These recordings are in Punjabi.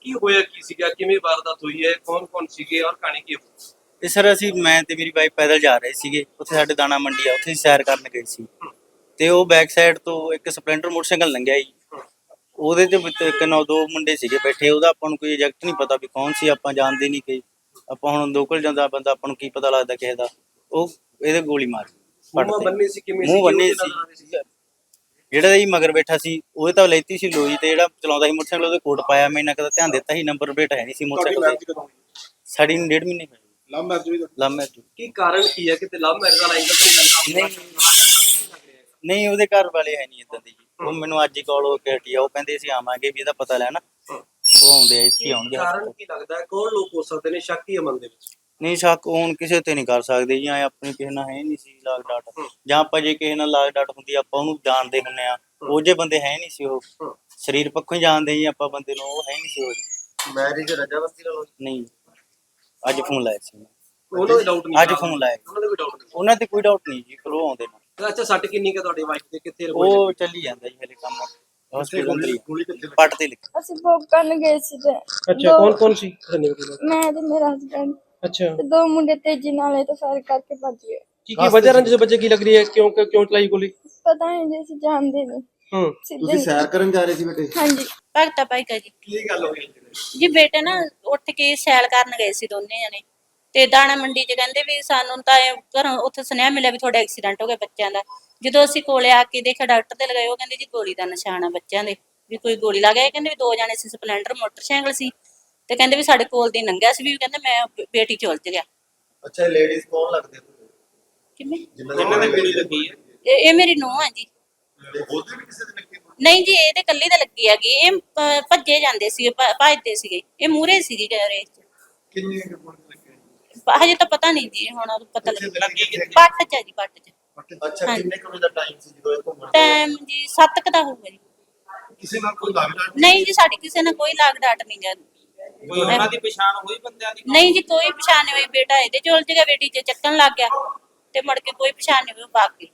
ਕੀ ਹੋਇਆ ਕੀ ਸੀਗਾ, ਕਿਵੇਂ ਵਾਰਦਾਤ ਹੋਈ ਹੈ, ਕੌਣ ਸੀਗੇ ਔਰ ਕਹਾਣੀ ਕੀ ਹੋਈ? ਤੇ ਸਰ ਅਸੀਂ ਮੈਂ ਤੇ ਮੇਰੀ ਵਾਈਫ ਪੈਦਲ ਜਾ ਰਹੇ ਸੀਗੇ, ਉੱਥੇ ਸਾਡੇ ਦਾਣਾ ਮੰਡੀ ਆ, ਉੱਥੇ ਅਸੀਂ ਸੈਰ ਕਰਨ ਗਏ ਸੀ। ਤੇ ਉਹ ਬੈਕ ਸਾਈਡ ਤੋਂ ਇੱਕ ਸਪਲੈਂਡਰ ਮੋਟਰਸਾਈਕਲ ਲੰਘਿਆ ਜੀ। ਉਹਦੇ ਤੇ ਵਿੱਚ ਇੱਕ ਨਾ ਦੋ ਮੁੰਡੇ ਸੀਗੇ ਬੈਠੇ, ਉਹਦਾ ਆਪਾਂ ਨੂੰ ਕੋਈ ਐਗਜ਼ੈਕਟ ਨਹੀਂ ਪਤਾ ਵੀ ਕੌਣ ਸੀ, ਆਪਾਂ ਜਾਣਦੇ ਨਹੀਂ ਕਿ ਆਪਾਂ ਹੁਣ ਲੋਕਲ ਜਾਂਦਾ ਬੰਦਾ, ਆਪਾਂ ਨੂੰ ਕੀ ਪਤਾ ਲੱਗਦਾ ਕਿਸੇ ਦਾ। ਉਹ ਇਹਦੇ ਗੋਲੀ ਮਾਰ ਮੂੰਹ ਬੰਨੇ ਸੀ, ਕਿਵੇਂ ਮੂੰਹ ਬੰਨੇ ਉਹਦੇ ਨਾਲ ਆ ਰਹੇ ਸੀ। ਜਿਹੜਾ ਜੀ ਮਗਰ ਬੈਠਾ ਸੀ ਉਹਦੇ ਤਾਂ ਲੈਤੀ ਸੀ ਲੋਈ, ਤੇ ਜਿਹੜਾ ਚਲਾਉਂਦਾ ਸੀ ਮੋਟਰਸਾਈਕਲ ਉਹਦੇ ਕੋਟ ਪਾਇਆ। ਮੈਂ ਇੰਨਾ ਕਦਾ ਧਿਆਨ ਦਿੱਤਾ ਸੀ, ਨੰਬਰ ਪਲੇਟ ਹੈ ਨਹੀਂ ਸੀ ਮੋਟਰਸਾਈਕਲ ਤੇ। ਸਾਡੀ ਨੂੰ 1.5 ਮਹੀਨੇ ਹੋਏ। ਲਵ ਮੈਰਿਜ ਕੀ ਕਾਰਨ ਕੀ ਹੈ? ਕਿਤੇ ਲਵ ਮੈਰਿਜ ਦਾ ਐਂਗਲ ਤਾਂ ਨਹੀਂ ਜਾਂਦਾ? ਨਹੀਂ ਉਹਦੇ ਘਰ ਵਾਲੇ ਹੈ ਨਹੀਂ ਇਦਾਂ ਦੇ ਜੀ। ਉਹ ਮੈਨੂੰ ਅੱਜ ਹੀ ਕਾਲ ਹੋ ਕੇ ਹਟੀ ਆ, ਉਹ ਕਹਿੰਦੇ ਅਸੀਂ ਆਵਾਂਗੇ ਵੀ ਇਹਦਾ ਪਤਾ ਲੈਣਾ। ਉਹ ਆਉਂਦੇ ਆ, ਇੱਥੇ ਆਉਣਗੇ। ਕਾਰਨ ਕੀ ਲੱਗਦਾ ਹੈ, ਕੌਣ ਲੋਕ ਹੋ ਸਕਦੇ ਨੇ? ਸ਼ੱਕ ਹੀ ਮਨ ਦੇ ਵਿੱਚ? ਨਹੀਂ ਸ਼ੱਕ ਹੁਣ ਕਿਸੇ ਤੇ ਨਹੀਂ ਕਰ ਸਕਦੇ ਜੀ, ਆਪਣੀ ਕਿਸੇ ਨਾਲ ਹੈ ਨਹੀਂ ਸੀ ਲਾਗ ਡਾਟ। ਜਾਂ ਆਪਾਂ ਜੇ ਕਿਸੇ ਨਾਲ ਲਾਗ ਡਾਟ ਹੁੰਦੀ ਆਪਾਂ ਉਹਨੂੰ ਜਾਣਦੇ ਹੁੰਦੇ ਆ, ਉਹ ਜੇ ਬੰਦੇ ਹੈ ਨਹੀਂ ਸੀ। ਉਹ ਸਰੀਰ ਪੱਖੋਂ ਹੀ ਜਾਣਦੇ ਜੀ ਆਪਾਂ ਬੰਦੇ ਨੂੰ, ਉਹ ਹੈ ਨਹੀਂ ਸੀ। ਉਹ ਮੈਰਿਜ ਰਜਾਮੰਦੀ ਨਾਲ ਨਹੀਂ। ਅੱਜ ਫੋਨ ਲਾਇਆ ਸੀ ਉਹਨਾਂ ਦੇ ਡਾਊਟ ਨਹੀਂ? ਅੱਜ ਫੋਨ ਲਾਇਆ ਉਹਨਾਂ ਦੇ ਵੀ ਡਾਊਟ ਨਹੀਂ? ਉਹਨਾਂ ਤੇ ਕੋਈ ਡਾਊਟ ਨਹੀਂ ਜੀ, ਕੋਲ ਆਉਂਦੇ ਨੇ। ਅੱਛਾ, ਸੱਟ ਕਿੰਨੀ ਕੁ ਤੁਹਾਡੀ ਵਾਈਫ ਦੇ? ਕਿੱਥੇ ਉਹ ਚੱਲੀ ਜਾਂਦਾ ਜੀ ਹਲੇ ਕੰਮ, ਹਸਪੀਟਲ ਅੰਦਰ ਹੀ ਪੱਟ ਤੇ ਲਿਖ। ਅਸੀਂ ਭੋਗ ਕਰਨ ਗਏ ਸੀ ਤੇ ਅੱਛਾ, ਕੌਣ ਸੀ? ਮੈਂ ਤੇ ਮੇਰਾ ਹਸਬੰਡ ਅੱਛਾ, ਤੇ ਦੋ ਮੁੰਡੇ ਤੇਜ਼ੀ ਨਾਲ ਇਹ ਤਾਂ ਫਾਇਰ ਕਰਕੇ ਭੱਜ ਗਏ। ਕੀ ਵਜ੍ਹਾ ਰੰਜ ਬੱਚੇ ਕੀ ਲੱਗ ਰਹੀ ਹੈ? ਕਿਉਂ ਚਲਾਈ ਗੋਲੀ? ਪਤਾ ਨਹੀਂ ਜੀ, ਅਸੀਂ ਜਾਣਦੇ ਨਹੀਂ। ਤੁਸੀਂ ਸੈਰ ਕਰਨ ਜਾ ਰਹੇ ਸੀ ਬੇਟੇ? ਹਾਂਜੀ। ਭਗਤਾ ਭਾਈ ਕਾ ਜੀ। ਕੀ ਗੱਲ ਹੋਈ ਜੀ ਬੇਟੇ ਨਾ ਉੱਠ ਕੇ ਸੈਲ ਕਰਨ ਗਏ ਸੀ ਦੋਨੇ ਜਣੇ, ਤੇ ਦਾਣਾ ਮੰਡੀ 'ਚ ਕਹਿੰਦੇ ਵੀ ਸਾਨੂੰ ਤਾਂ ਘਰੋਂ ਉੱਥੇ ਸੁਨੇਹਾ ਮਿਲਿਆ ਵੀ ਤੁਹਾਡਾ ਐਕਸੀਡੈਂਟ ਹੋ ਗਿਆ ਬੱਚਿਆਂ ਦਾ। ਜਦੋਂ ਅਸੀਂ ਕੋਲੇ ਆ ਕੇ ਦੇਖਿਆ, ਡਾਕਟਰ ਤੇ ਲਗਾਏ, ਉਹ ਕਹਿੰਦੇ ਜੀ ਗੋਲੀ ਦਾ ਨਿਸ਼ਾਨ ਆ ਬੱਚਿਆਂ ਦੇ, ਵੀ ਕੋਈ ਗੋਲੀ ਲੱਗ ਗਈ। ਕਹਿੰਦੇ ਵੀ ਦੋ ਜਣੇ ਸੀ, ਸਪਲੈਂਡਰ ਮੋਟਰਸਾਈਕਲ ਸੀ, ਤੇ ਕਹਿੰਦੇ ਵੀ ਸਾਡੇ ਕੋਲ ਦੀ ਲੰਘਿਆ ਸੀ, ਵੀ ਕਹਿੰਦੇ ਮੈਂ ਬੇਟੀ ਚ ਉਲਝ ਗਿਆ। ਅੱਛਾ, ਲੇਡੀਜ਼ ਕੌਣ ਲੱਗਦੇ ਤੁਹਾਨੂੰ? ਕਿਵੇਂ? ਜਿਨ੍ਹਾਂ ਦੇ ਗੋਲੀ ਲੱਗੀ ਹੈ? ਇਹ ਮੇਰੀ ਨੂੰਹ ਆ ਜੀ। ਉਹਦੇ ਵੀ ਕਿਸੇ ਦੇ ਲੱਗੇ? ਨਹੀਂ ਜੀ, ਇਹਦੇ ਕੱਲੀ ਤਾਂ ਲੱਗੀ ਹੈਗੀ। ਇਹ ਭੱਜੇ ਜਾਂਦੇ ਸੀਗੇ, ਭੱਜਦੇ ਸੀਗੇ, ਇਹ ਮੂਹਰੇ ਸੀਗੀ ਰੇਸ ਚ। ਕਿੰਨੇ ਗੋਲੀ ਲੱਗੇ? ਹਜੇ ਤਾਂ ਪਤਾ ਨਹੀਂ ਜੀ, ਹੁਣ ਪਤਾ ਲੱਗਾ। ਪੱਟ ਚ ਆ ਜੀ, ਪੱਟ ਚ। ਅੱਛਾ, ਕਿੰਨੇ ਕੁ ਵਜੇ ਦਾ ਟਾਈਮ ਸੀ ਜਦੋਂ ਇਹ ਘੁੰਮਣ? ਟਾਈਮ ਜੀ 7 ਕੁ ਦਾ ਹੋਊਗਾ ਜੀ। ਕਿਸੇ ਨਾਲ ਕੋਈ ਲੱਗਦਾ ਨਹੀਂ ਜੀ, ਸਾਡੀ ਕਿਸੇ ਨਾਲ ਕੋਈ ਲਾਗ ਡਾਟ ਨਹੀਂ ਗਾ। ਕੋਈ ਉਹਨਾਂ ਦੀ ਪਛਾਣ ਹੋਈ ਬੰਦਿਆਂ ਦੀ? ਨਹੀਂ ਜੀ, ਕੋਈ ਪਛਾਣ ਨਹੀਂ ਹੋਈ। ਬੇਟਾ ਇਹਦੇ ਚ ਉਲਝ ਗਿਆ, ਬੇਟੀ ਚ ਚੱਕਣ ਲੱਗ ਗਿਆ, ਤੇ ਮੁੜ ਕੇ ਕੋਈ ਪਛਾਣ ਨਹੀਂ ਹੋਈ।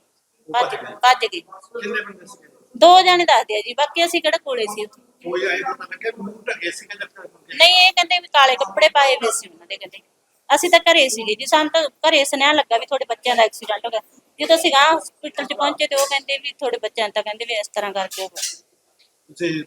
ਭੱਜ ਗਈ। ਕਿੰਨੇ ਬੰਦੇ ਸੀ? ਦੋ ਜਣੇ ਦੱਸਦੇ ਆ ਜੀ, ਬਾਕੀ ਅਸੀਂ ਕਿਹੜਾ ਕੋਲੇ ਸੀ ਉੱਥੇ। ਕੋਈ ਆਏ ਪਤਾ ਲੱਗਿਆ ਮੂੰਹ ਢੱਕੇ ਸੀ ਕਿ ਜੱਟਾਂ? ਨਹੀਂ, ਇਹ ਕਹਿੰਦੇ ਵੀ ਕਾਲੇ ਕੱਪੜੇ ਪਾਏ ਹੋਏ ਸੀ ਉਹਨਾਂ ਦੇ। ਕਹਿੰਦੇ ਅਸੀਂ ਤਾਂ ਘਰੇ ਸੀਗੇ ਜੀ, ਸਾਨੂੰ ਤਾਂ ਘਰੇ ਸੁਨੇਹਾ ਲੱਗਾ ਵੀ ਤੁਹਾਡੇ ਬੱਚਿਆਂ ਦਾ ਐਕਸੀਡੈਂਟ ਹੋ ਗਿਆ। ਜਦੋਂ ਅਸੀਂ ਗਾਂ ਹਸਪੀਟਲ ਚ ਪਹੁੰਚੇ ਤੇ ਉਹ ਕਹਿੰਦੇ ਵੀ ਤੁਹਾਡੇ ਬੱਚਿਆਂ ਤਾਂ ਕਹਿੰਦੇ ਵੀ ਇਸ ਤਰ੍ਹਾਂ ਕਰਕੇ ਹੋ ਗਿਆ। ਤੁਸੀਂ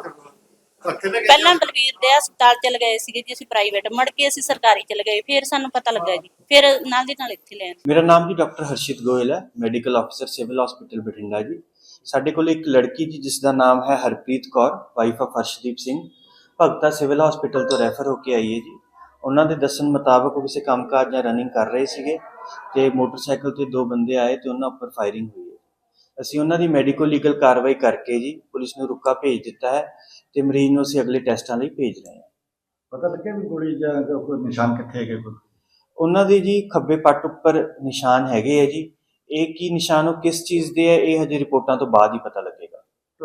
ਪਹਿਲਾਂ ਬਲਵੀਰ ਦੇ ਹਸਪਤਾਲ ਚਲੇ ਗਏ ਸੀਗੇ ਜੀ ਅਸੀਂ, ਪ੍ਰਾਈਵੇਟ, ਮੁੜ ਕੇ ਅਸੀਂ ਸਰਕਾਰੀ ਚਲੇ ਗਏ, ਫਿਰ ਸਾਨੂੰ ਪਤਾ ਲੱਗਾ ਜੀ, ਫਿਰ ਨਾਲ ਦੀ ਨਾਲ ਇੱਥੇ ਲੈਣ। ਮੇਰਾ ਨਾਮ ਜੀ ਡਾਕਟਰ ਹਰਸ਼ਿਤ ਗੋਇਲ ਹੈ, medical officer civil hospital Bathinda ਜੀ। ਸਾਡੇ ਕੋਲ ਇੱਕ ਲੜਕੀ ਜੀ ਜਿਸ ਦਾ ਨਾਮ ਹੈ Harpreet Kaur, wife of Harshdeep Singh, Bhagta civil hospital ਤੋਂ ਰੈਫਰ ਹੋ ਕੇ ਆਈ ਹੈ ਜੀ। ਉਹਨਾਂ ਦੇ ਦੱਸਣ ਮੁਤਾਬਕ ਉਹ ਕਿਸੇ ਕੰਮਕਾਜ ਜਾਂ ਰਨਿੰਗ ਕਰ ਰਹੇ ਸੀਗੇ, ਤੇ ਮੋਟਰਸਾਈਕਲ ਤੇ ਦੋ ਬੰਦੇ ਆਏ ਤੇ ਉਹਨਾਂ ਉੱਪਰ ਫਾਇਰਿੰਗ ਹੋਈ ਹੈ। ਅਸੀਂ ਉਹਨਾਂ ਦੀ ਮੈਡੀਕੋ ਲੀਗਲ ਕਾਰਵਾਈ ਕਰਕੇ ਜੀ ਪੁਲਿਸ ਨੂੰ ਰੁਕਾ ਭੇਜ ਦਿੱਤਾ ਹੈ, ਤੇ ਮਰੀਜ਼ ਨੂੰ ਅਸੀਂ ਅਗਲੇ ਟੈਸਟਾਂ ਲਈ ਭੇਜ ਰਹੇ ਹਾਂ। ਪਤਾ ਲੱਗਿਆ ਵੀ ਗੋਲੀ ਜਾਂ ਕੋਈ ਨਿਸ਼ਾਨ ਕਿੱਥੇ ਹੈਗੇ? ਉਹਨਾਂ ਦੇ ਜੀ ਖੱਬੇ ਪੱਟ ਉੱਪਰ ਨਿਸ਼ਾਨ ਹੈਗੇ ਹੈ ਜੀ। ਇਹ ਕੀ ਨਿਸ਼ਾਨ, ਉਹ ਕਿਸ ਚੀਜ਼ ਦੇ ਹੈ, ਇਹ ਹਜੇ ਰਿਪੋਰਟਾਂ ਤੋਂ ਬਾਅਦ ਹੀ ਪਤਾ ਲੱਗੇਗਾ।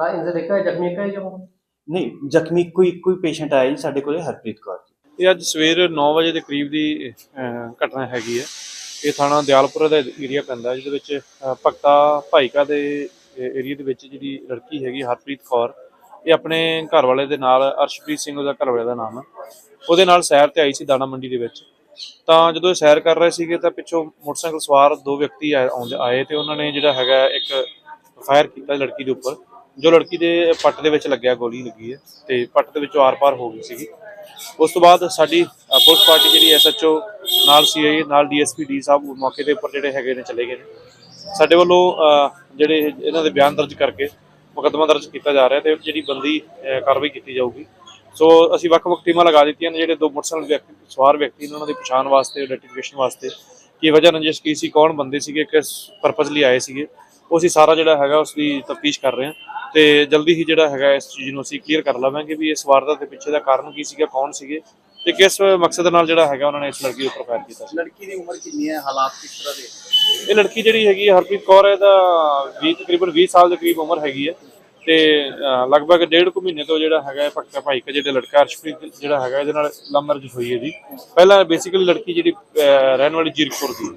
ਜ਼ਖਮੀ ਕਾ ਜਾਂ ਨਹੀਂ, ਜ਼ਖਮੀ ਕੋਈ ਪੇਸ਼ੈਂਟ ਆਇਆ ਜੀ ਸਾਡੇ ਕੋਲੇ, ਹਰਪ੍ਰੀਤ ਕੌਰ ਜੀ। ਇਹ ਅੱਜ ਸਵੇਰ 9 ਵਜੇ ਦੇ ਕਰੀਬ ਦੀ ਘਟਨਾ ਹੈਗੀ ਹੈ। ਇਹ ਥਾਣਾ ਦਿਆਲਪੁਰ ਦਾ ਏਰੀਆ ਪੈਂਦਾ, ਜਿਹਦੇ ਵਿੱਚ ਭਗਤਾ ਭਾਈਕਾ ਦੇ ਏਰੀਆ ਦੇ ਵਿੱਚ ਜਿਹੜੀ ਲੜਕੀ ਹੈਗੀ ਹਰਪ੍ਰੀਤ ਕੌਰ, ਇਹ ਆਪਣੇ ਘਰ ਵਾਲੇ ਦੇ ਨਾਲ, ਅਰਸ਼ਪ੍ਰੀਤ ਸਿੰਘ ਉਹਦਾ ਘਰ ਵਾਲੇ ਦਾ ਨਾਮ ਹੈ, ਉਹਦੇ ਨਾਲ ਸੈਰ ਤੇ ਆਈ ਸੀ ਦਾਣਾ ਮੰਡੀ ਦੇ ਵਿੱਚ। ਤਾਂ ਜਦੋਂ ਇਹ ਸੈਰ ਕਰ ਰਹੇ ਸੀਗੇ ਤਾਂ ਪਿੱਛੋਂ ਮੋਟਰਸਾਈਕਲ ਸਵਾਰ ਦੋ ਵਿਅਕਤੀ ਆਏ ਤੇ ਉਹਨਾਂ ਨੇ ਜਿਹੜਾ ਹੈਗਾ ਇੱਕ ਫਾਇਰ ਕੀਤਾ ਲੜਕੀ ਦੇ ਉੱਪਰ, ਜੋ ਲੜਕੀ ਦੇ ਪੱਟ ਦੇ ਵਿੱਚ ਲੱਗਿਆ, ਗੋਲੀ ਲੱਗੀ ਹੈ ਤੇ ਪੱਟ ਦੇ ਵਿੱਚੋਂ ਆਰ-ਪਾਰ ਹੋ ਗਈ ਸੀਗੀ। ਉਸ ਤੋਂ ਬਾਅਦ ਸਾਡੀ ਪੁਲਿਸ ਪਾਰਟੀ ਜਿਹੜੀ ਐਸਐਚਓ ਨਾਲ ਸੀਆਈ ਨਾਲ ਡੀਐਸਪੀ ਡੀ ਸਾਹਿਬ ਮੌਕੇ ਦੇ ਉੱਪਰ ਜਿਹੜੇ ਹੈਗੇ ਨੇ ਚਲੇ ਗਏ ਨੇ। ਸਾਡੇ ਵੱਲੋਂ ਜਿਹੜੇ ਇਹਨਾਂ ਦੇ ਬਿਆਨ ਦਰਜ ਕਰਕੇ ਮੁਕੱਦਮਾ ਦਰਜ ਕੀਤਾ ਜਾ ਰਿਹਾ ਤੇ ਜਿਹੜੀ ਬੰਦੀ ਕਾਰਵਾਈ ਕੀਤੀ ਜਾਊਗੀ। ਸੋ ਅਸੀਂ ਵੱਖ-ਵੱਖ ਟੀਮਾਂ ਲਗਾ ਦਿੱਤੀਆਂ ਨੇ, ਜਿਹੜੇ ਦੋ ਮੋਟਰਸਾਈਕਲ ਸਵਾਰ ਵਿਅਕਤੀ ਨੇ ਉਹਨਾਂ ਦੀ ਪਛਾਣ ਵਾਸਤੇ, ਆਈਡੈਂਟੀਫਿਕੇਸ਼ਨ ਵਾਸਤੇ, ਕੀ ਵਜ੍ਹਾ ਰੰਜਿਸ਼ ਕੀ ਸੀ, ਕੌਣ ਬੰਦੇ ਸੀਗੇ, ਕਿਸ ਪਰਪਸ ਲਈ ਆਏ ਸੀਗੇ, ਉਹ ਅਸੀਂ ਸਾਰਾ ਜਿਹੜਾ ਹੈਗਾ ਉਸ ਦੀ ਤਫਤੀਸ਼ ਕਰ ਰਹੇ ਹਾਂ। ਤੇ ਜਲਦੀ ਹੀ ਜਿਹੜਾ ਹੈਗਾ ਇਸ ਚੀਜ਼ ਨੂੰ ਅਸੀਂ ਕਲੀਅਰ ਕਰ ਲਵਾਂਗੇ ਵੀ ਇਸ ਵਾਰਦਾਤ ਦੇ ਪਿੱਛੇ ਦਾ ਕਾਰਨ ਕੀ ਸੀਗਾ, ਕੌਣ ਸੀਗੇ ਤੇ ਕਿਸ ਮਕਸਦ ਨਾਲ ਜਿਹੜਾ ਹੈਗਾ ਉਹਨਾਂ ਨੇ ਇਸ ਲੜਕੀ ਉੱਪਰ ਫਾਇਰ ਕੀਤਾ ਸੀ। ਲੜਕੀ ਦੀ ਉਮਰ ਕਿੰਨੀ ਹੈ, ਹਾਲਾਤ ਕਿਸ ਤਰ੍ਹਾਂ ਦੇ? ਇਹ ਲੜਕੀ ਜਿਹੜੀ ਹੈਗੀ ਹਰਪ੍ਰੀਤ ਕੌਰ, ਇਹਦਾ ਤਕਰੀਬਨ 20 ਸਾਲ ਦੇ ਕਰੀਬ ਉਮਰ ਹੈਗੀ ਹੈ, ਤੇ ਲਗਭਗ 1.5 ਮਹੀਨੇ ਤੋਂ ਜਿਹੜਾ ਹੈਗਾ ਭਗਤਾ ਭਾਈਕਾ ਜਿਹੜਾ ਲੜਕਾ ਅਰਸ਼ਪ੍ਰੀਤ ਜਿਹੜਾ ਹੈਗਾ, ਇਹਦੇ ਨਾਲ ਲਵ ਮੈਰਿਜ ਹੋਈ ਹੈ ਜੀ। ਪਹਿਲਾਂ ਬੇਸਿਕਲੀ ਲੜਕੀ ਜਿਹੜੀ ਰਹਿਣ ਵਾਲੀ ਜੀਰਕਪੁਰ ਦੀ।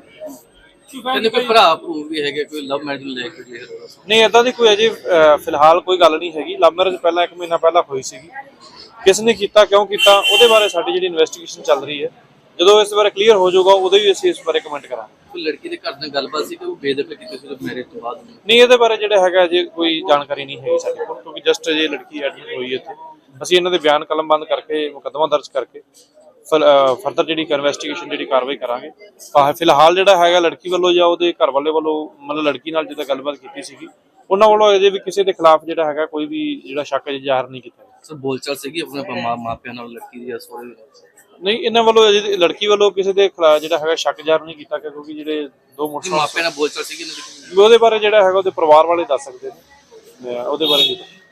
ਕਹਿੰਦੇ ਕੋਈ ਭਰਾ ਭੂ ਵੀ ਹੈਗੇ, ਕੋਈ ਲਵ ਮੈਰਿਜ ਲੈ ਕੇ? ਨਹੀਂ, ਏਦਾਂ ਦੀ ਕੋਈ ਅਜੇ ਫਿਲਹਾਲ ਕੋਈ ਗੱਲ ਨਹੀਂ ਹੈਗੀ। ਲਵ ਮੈਰਿਜ ਪਹਿਲਾਂ 1 ਮਹੀਨਾ ਪਹਿਲਾਂ ਹੋਈ ਸੀਗੀ, ਕਿਸ ਨੇ ਕੀਤਾ, ਕਿਉਂ ਕੀਤਾ, ਉਹਦੇ ਬਾਰੇ ਸਾਡੀ ਜਿਹੜੀ ਇਨਵੈਸਟੀਗੇਸ਼ਨ ਚੱਲ ਰਹੀ ਹੈ। ਜਦੋਂ ਇਸ ਬਾਰੇ ਕਲੀਅਰ ਹੋ ਜਾਊਗਾ ਉਦੋਂ ਹੀ ਅਸੀਂ ਇਸ ਬਾਰੇ ਕਮੈਂਟ ਕਰਾਂਗੇ। ਕੋਈ ਲੜਕੀ ਦੇ ਘਰ ਨਾਲ ਗੱਲਬਾਤ ਸੀ ਕਿ ਉਹ ਬੇਦਖਲ ਕੀਤੀ ਸੀ ਮੈਰਿਜ ਤੋਂ ਬਾਅਦ? ਨਹੀਂ, ਇਹਦੇ ਬਾਰੇ ਜਿਹੜਾ ਹੈਗਾ ਅਜੇ ਕੋਈ ਜਾਣਕਾਰੀ ਨਹੀਂ ਹੈਗੀ ਸਾਡੇ ਕੋਲ, ਕਿਉਂਕਿ ਜਸਟ ਅਜੇ ਲੜਕੀ ਐਡਮਿਟ ਹੋਈ ਹੈ ਇੱਥੇ। ਅਸੀਂ ਇਹਨਾਂ ਦੇ ਬਿਆਨ ਕਲਮਬੰਦ ਕਰਕੇ ਮੁਕੱਦਮਾ ਦਰਜ ਕਰਕੇ ਫਰਦਰ ਜਿਹੜੀ ਇਨਵੈਸਟੀਗੇਸ਼ਨ ਜਿਹੜੀ ਕਾਰਵਾਈ ਕਰਾਂਗੇ। ਫਿਲਹਾਲ ਜਿਹੜਾ ਹੈਗਾ ਲੜਕੀ ਵੱਲੋਂ ਜਾਂ ਉਹਦੇ ਘਰ ਵਾਲੇ ਵੱਲੋਂ ਮਤਲਬ ਲੜਕੀ ਨਾਲ ਜਿੱਦਾਂ ਗੱਲਬਾਤ ਕੀਤੀ ਸੀਗੀ, ਉਹਨਾਂ ਵੱਲੋਂ ਅਜੇ ਵੀ ਕਿਸੇ ਦੇ ਖਿਲਾਫ ਜਿਹੜਾ ਹੈਗਾ ਕੋਈ ਵੀ ਜਿਹੜਾ ਸ਼ੱਕ ਅਜੇ ਜ਼ਾਹਰ ਨਹੀਂ ਕੀਤਾ। ਸਰ ਬੋਲਚਾਲ ਸੀਗੀ ਆਪਣੇ ਮਾਪਿਆਂ ਨਾਲ ਲੜਕੀ ਦੀ ਜਾਂ ਸਹੁਰੇ ਨਾਲ? ਨਹੀਂ, ਇਹਨਾਂ ਵੱਲੋਂ ਅਜੇ ਲੜਕੀ ਵੱਲੋਂ ਕਿਸੇ ਦੇ ਖਿਲਾਫ ਜਿਹੜਾ ਹੈਗਾ ਸ਼ੱਕ ਜ਼ਾਹਰ ਨਹੀਂ ਕੀਤਾ, ਕਿਉਂਕਿ ਜਿਹੜੇ ਦੋ ਮਾਪਿਆਂ ਨਾਲ ਬੋਲਚਾਲ ਸੀਗੀ ਇਹਨਾਂ ਦੀ? ਉਹਦੇ ਬਾਰੇ ਜਿਹੜਾ ਹੈਗਾ ਉਹਦੇ ਪਰਿਵਾਰ ਵਾਲੇ ਦੱਸ ਸਕਦੇ ਨੇ, ਉਹਦੇ ਬਾਰੇ ਨਹੀਂ।